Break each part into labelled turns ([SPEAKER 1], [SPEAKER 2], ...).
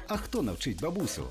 [SPEAKER 1] А хто навчить бабусю?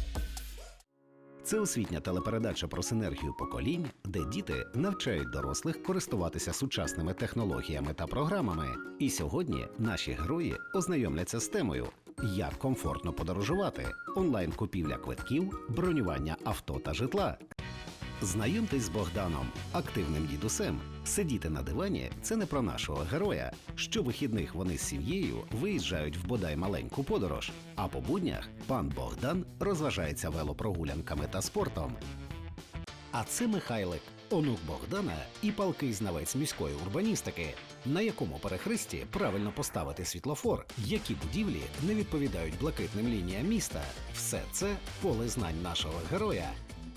[SPEAKER 1] Це освітня телепередача про синергію поколінь, де діти навчають дорослих користуватися сучасними технологіями та програмами. І сьогодні наші герої ознайомляться з темою «Як комфортно подорожувати», онлайн-купівля квитків, бронювання авто та житла. Знайомтесь з Богданом, активним дідусем. Сидіти на дивані – це не про нашого героя. Щовихідних вони з сім'єю виїжджають в бодай маленьку подорож, а по буднях пан Богдан розважається велопрогулянками та спортом. А це Михайлик, онук Богдана і палкий знавець міської урбаністики. На якому перехресті правильно поставити світлофор, які будівлі не відповідають блакитним лініям міста. Все це поле знань нашого героя.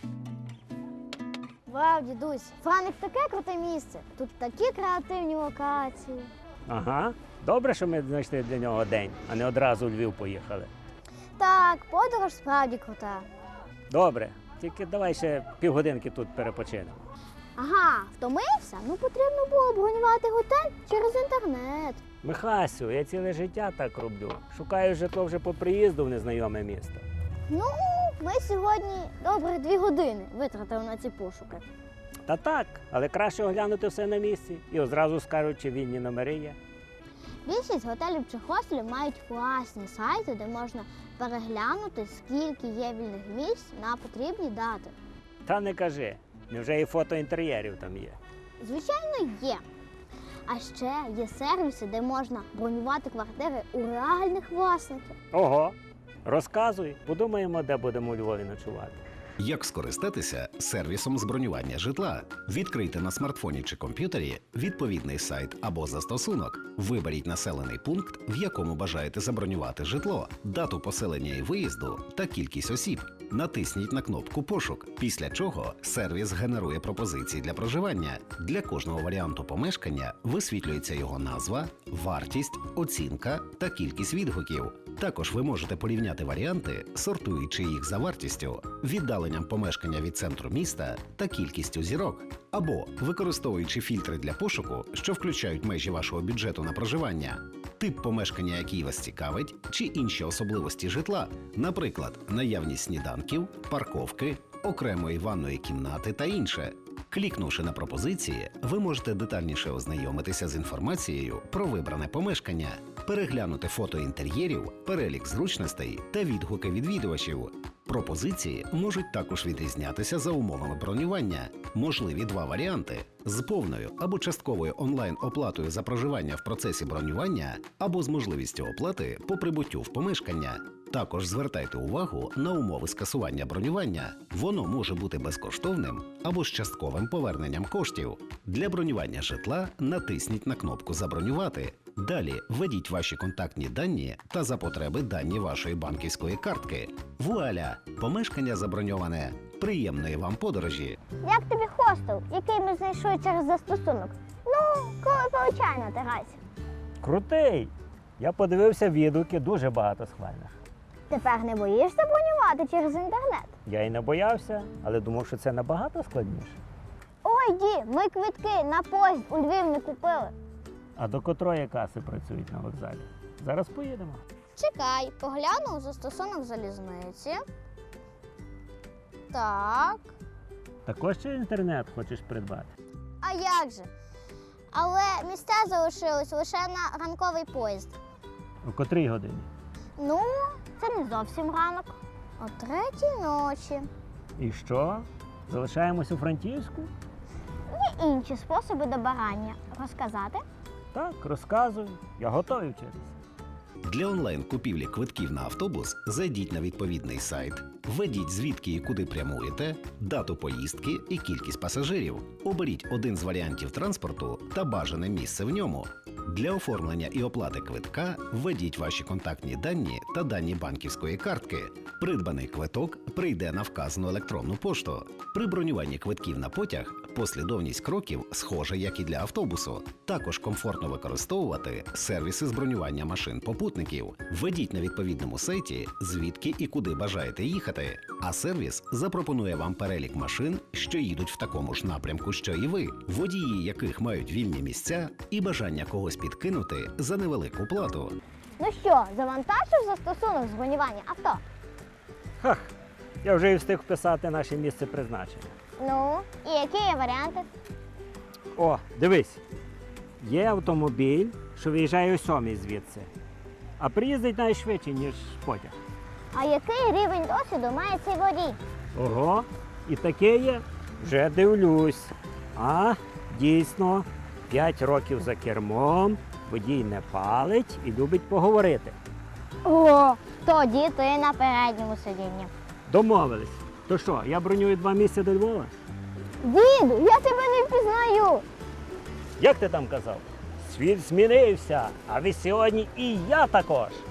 [SPEAKER 2] Вау, дідусь, Франик таке круте місце. Тут такі креативні локації.
[SPEAKER 3] Ага. Добре, що ми знайшли для нього день, а не одразу у Львів поїхали.
[SPEAKER 2] Так, подорож справді крута.
[SPEAKER 3] Добре, тільки давай ще півгодинки тут перепочинемо.
[SPEAKER 2] Ага, втомився? Ну потрібно було бронювати готель через інтернет.
[SPEAKER 3] Михасю, я ціле життя так роблю. Шукаю житло вже по приїзду в незнайоме місто.
[SPEAKER 2] Ну, ми сьогодні добрих 2 години витратили на ці пошуки.
[SPEAKER 3] Та так, але краще оглянути все на місці і одразу скажуть, чи вільні номери є.
[SPEAKER 2] Більшість готелів чи хостелів мають класні сайти, де можна переглянути, скільки є вільних місць на потрібні дати.
[SPEAKER 3] Та не кажи, невже і фото інтер'єрів там є?
[SPEAKER 2] Звичайно, є. А ще є сервіси, де можна бронювати квартири у реальних власників.
[SPEAKER 3] Ого, розказуй, подумаємо, де будемо у Львові ночувати.
[SPEAKER 1] Як скористатися сервісом з бронювання житла? Відкрийте на смартфоні чи комп'ютері відповідний сайт або застосунок. Виберіть населений пункт, в якому бажаєте забронювати житло, дату поселення і виїзду та кількість осіб. Натисніть на кнопку «Пошук», після чого сервіс генерує пропозиції для проживання. Для кожного варіанту помешкання висвітлюється його назва, вартість, оцінка та кількість відгуків. Також ви можете порівняти варіанти, сортуючи їх за вартістю, віддаленням помешкання від центру міста та кількістю зірок. Або використовуючи фільтри для пошуку, що включають межі вашого бюджету на проживання, тип помешкання, який вас цікавить, чи інші особливості житла, наприклад, наявність сніданків, парковки, окремої ванної кімнати та інше. Клікнувши на пропозиції, ви можете детальніше ознайомитися з інформацією про вибране помешкання, переглянути фото інтер'єрів, перелік зручностей та відгуки відвідувачів. Пропозиції можуть також відрізнятися за умовами бронювання. Можливі 2 варіанти – з повною або частковою онлайн-оплатою за проживання в процесі бронювання або з можливістю оплати по прибуттю в помешкання. Також звертайте увагу на умови скасування бронювання. Воно може бути безкоштовним або з частковим поверненням коштів. Для бронювання житла натисніть на кнопку «Забронювати». Далі введіть ваші контактні дані та за потреби дані вашої банківської картки. Вуаля! Помешкання заброньоване. Приємної вам подорожі!
[SPEAKER 2] Як тобі хостел, який ми знайшли через застосунок? Ну, коли получай на терасі.
[SPEAKER 3] Крутий! Я подивився відгуки, дуже багато схвальних.
[SPEAKER 2] Тепер не боїшся бронювати через інтернет?
[SPEAKER 3] Я й не боявся, але думав, що це набагато складніше.
[SPEAKER 2] Ой, Ді, ми квитки на поїзд у Львів не купили.
[SPEAKER 3] А до котрої каси працюють на вокзалі? Зараз поїдемо.
[SPEAKER 2] Чекай, погляну у застосунок залізниці. Так.
[SPEAKER 3] Також через інтернет хочеш придбати?
[SPEAKER 2] А як же? Але місця залишились лише на ранковий поїзд.
[SPEAKER 3] У котрій годині?
[SPEAKER 2] Ну, це не зовсім ранок. О 3-й ночі.
[SPEAKER 3] І що? Залишаємось у Франківську?
[SPEAKER 2] Є інші способи добирання. Розказати?
[SPEAKER 3] Так, розказуй. Я готовий вчитися.
[SPEAKER 1] Для онлайн-купівлі квитків на автобус зайдіть на відповідний сайт, введіть звідки і куди прямуєте, дату поїздки і кількість пасажирів. Оберіть один з варіантів транспорту та бажане місце в ньому. Для оформлення і оплати квитка введіть ваші контактні дані та дані банківської картки. Придбаний квиток прийде на вказану електронну пошту. При бронюванні квитків на потяг послідовність кроків схожа, як і для автобусу. Також комфортно використовувати сервіси з бронювання машин-попутників. Введіть на відповідному сайті, звідки і куди бажаєте їхати, а сервіс запропонує вам перелік машин, що їдуть в такому ж напрямку, що і ви, водії яких мають вільні місця і бажання когось підкинути за невелику плату.
[SPEAKER 2] Ну що, завантажив застосунок з бронювання авто?
[SPEAKER 3] Хах, я вже і встиг вписати наше місце призначення.
[SPEAKER 2] Ну, і які є варіанти?
[SPEAKER 3] О, дивись. Є автомобіль, що виїжджає о 7 звідси, а приїздить найшвидше, ніж потяг.
[SPEAKER 2] А який рівень досвіду має цей водій?
[SPEAKER 3] Ого, і таке є? Вже дивлюсь. А, дійсно, 5 років за кермом, водій не палить і любить поговорити.
[SPEAKER 2] О, тоді ти на передньому сидінні.
[SPEAKER 3] Домовились. То що, я бронюю 2 місця до Львова?
[SPEAKER 2] Діду, я тебе не впізнаю.
[SPEAKER 3] Як ти там казав? Світ змінився, а ви сьогодні і я також.